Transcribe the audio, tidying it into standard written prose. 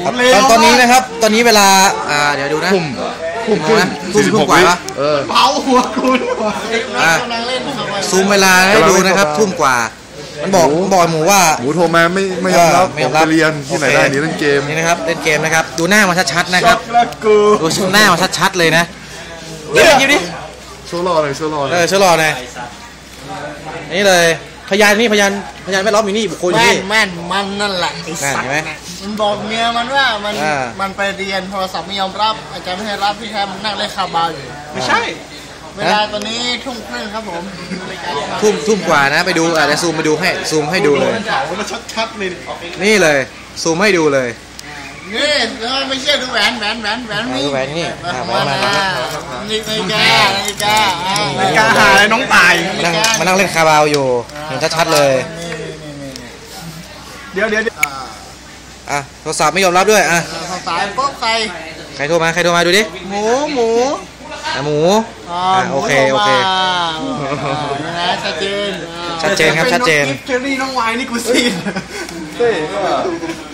ตอนนี้นะครับตอนนี้เวลาเดี๋ยวดูนะทุ่มนะทุ่มกว่าปะเผาหัวคุณซูมเวลาให้ดูนะครับทุ่มกว่ามันบอกหมูว่าหมูโทรมาไม่ยอมรับไปเรียนที่ไหนได้นี่เล่นเกมนี่นะครับเล่นเกมนะครับดูหน้ามาชัดๆนะครับดูหน้ามาชัดๆเลยนะเดี๋ยวดิโชว์รอเลยโชว์รอเลยโชว์รอเลยนี่เลยพยานแวดล้อมอยู่นี่บุคคลอยู่นี่แม่นมันนั่นแหละไอ้สัตว์มันบอกเมียมันว่ามันไปเรียนโทรศัพท์ไม่ยอมรับอาจารย์ไม่ให้รับพี่แทมนั่งเล่นคาบาอยู่ไม่ใช่เวลาตอนนี้ทุ่มครึ่งครับผมทุ่มกว่านะไปดูเดี๋ยวซูมให้ดูเลยชัดๆเลยนี่เลยซูมให้ดูเลยนี่แล้วไม่เชื่อดูแหวนนี่แหวนนี่นี่กาหาอะไรน้องตายมานั่งเล่นคาบาวอยู่เห็นชัดๆเลยเดี๋ยวโทรศัพท์ไม่ยอมรับด้วยสายปุ๊บใครโทรมาดูดิหมูโอเคนะชัดเจนครับชัดเจนเจอนี่น้องวายนี่กูซีน